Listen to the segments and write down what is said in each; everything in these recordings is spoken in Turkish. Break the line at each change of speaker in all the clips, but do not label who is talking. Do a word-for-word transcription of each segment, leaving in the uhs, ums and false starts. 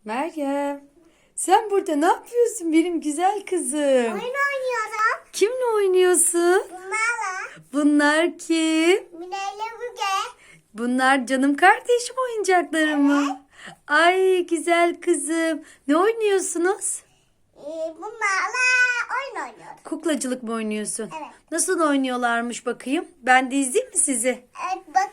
Meryem, sen burada ne yapıyorsun benim güzel kızım?
Oyun oynuyorum.
Kimle oynuyorsun?
Bunlarla.
Bunlar kim?
Mine ile Müge.
Bunlar canım kardeşim oyuncakları mı? Ay güzel kızım. Ne oynuyorsunuz?
Ee, bunlarla oyun oynuyoruz.
Kuklacılık mı oynuyorsun?
Evet.
Nasıl oynuyorlarmış bakayım? Ben de izleyeyim mi sizi?
Evet bak.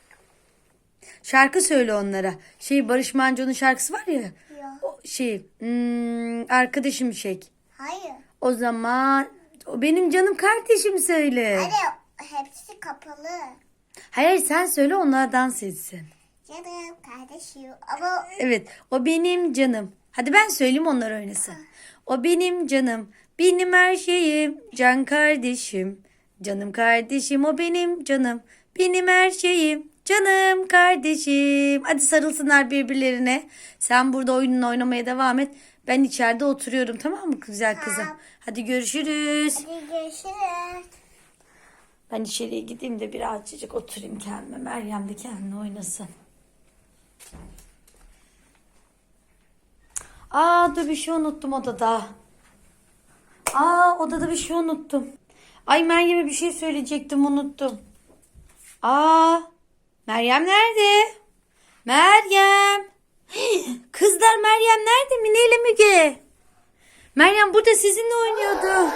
Şarkı söyle onlara. Şey Barış Manço'nun şarkısı var ya.
Yok.
O şey hmm, arkadaşım şey.
Hayır.
O zaman o benim canım kardeşim söyle.
Hadi hepsi kapalı.
Hayır sen söyle onlar dans etsin.
Canım kardeşim. Ama
Evet o benim canım. Hadi ben söyleyeyim onlar oynasın. O benim canım. Benim her şeyim. Can kardeşim. Canım kardeşim o benim canım. Benim her şeyim. Canım kardeşim. Hadi sarılsınlar birbirlerine. Sen burada oyununu oynamaya devam et. Ben içeride oturuyorum tamam mı güzel kızım?
Tamam.
Hadi görüşürüz.
hadi görüşürüz.
Ben içeriye gideyim de birazcık oturayım kendime. Meryem de kendine oynasın. Aa dur bir şey unuttum odada. Aa odada bir şey unuttum. Ay Meryem'e bir şey söyleyecektim unuttum. Aa Meryem nerede? Meryem. Kızlar Meryem nerede? Mine ile Müge. Meryem burada sizinle oynuyordu.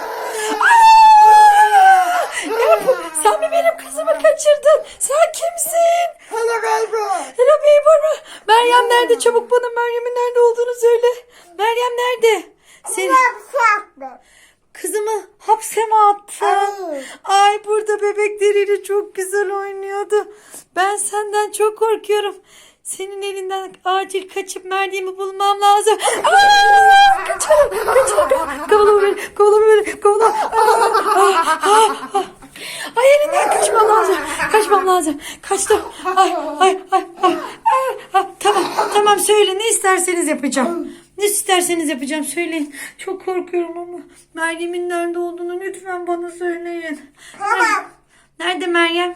Aa! Sen mi benim kızımı kaçırdın? Sen kimsin?
Hello baby.
Hello baby. Meryem nerede? Çabuk bana Meryem'in nerede olduğunu söyle. Meryem nerede? Seni kızımı hapse mi attın?
Evet.
Ay burada bebekleriyle çok güzel oynuyordu. Ben senden çok korkuyorum. Senin elinden acil kaçıp Meryem'i bulmam lazım. Aa! Kaçalım, kaçalım. Kovalama beni, kovalama beni, kovalama. Ah, ah, ah. Ay elinden kaçmam lazım. Kaçmam lazım. Kaçtım. Ay, ay, ay, ay. ay, ay. Tamam, tamam söyle ne isterseniz yapacağım. Ne isterseniz yapacağım söyleyin. Çok korkuyorum ama Meryem'in nerede olduğunu lütfen bana söyleyin.
Tamam.
Nerede Meryem?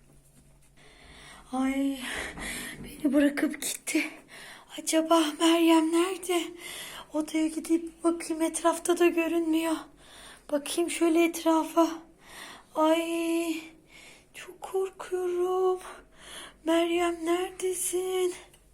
Ay beni bırakıp gitti. Acaba Meryem nerede? Odaya gidip bakayım etrafta da görünmüyor. Bakayım şöyle etrafa. Ay çok korkuyorum. Meryem neredesin?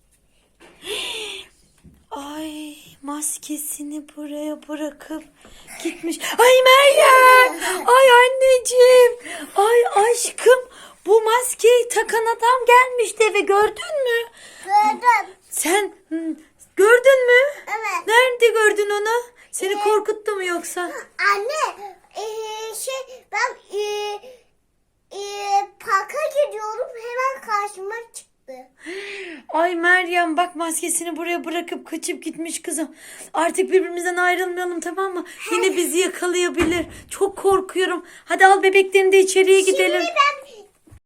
Ay maskesini buraya bırakıp gitmiş. Ay Meryem! Ay anneciğim! Ay aşkım! Bu maskeyi takan adam gelmişti eve gördün mü?
Gördüm.
Sen hı, gördün mü?
Evet.
Nerede gördün onu? Seni korkuttu mu yoksa?
Anne ee, şey ben ee, ee, parka gidiyorum hemen karşıma çıktı.
Ay Meryem bak maskesini buraya bırakıp kaçıp gitmiş kızım. Artık birbirimizden ayrılmayalım tamam mı? Yine bizi yakalayabilir. Çok korkuyorum. Hadi al bebeklerini de içeriye gidelim.
Şimdi ben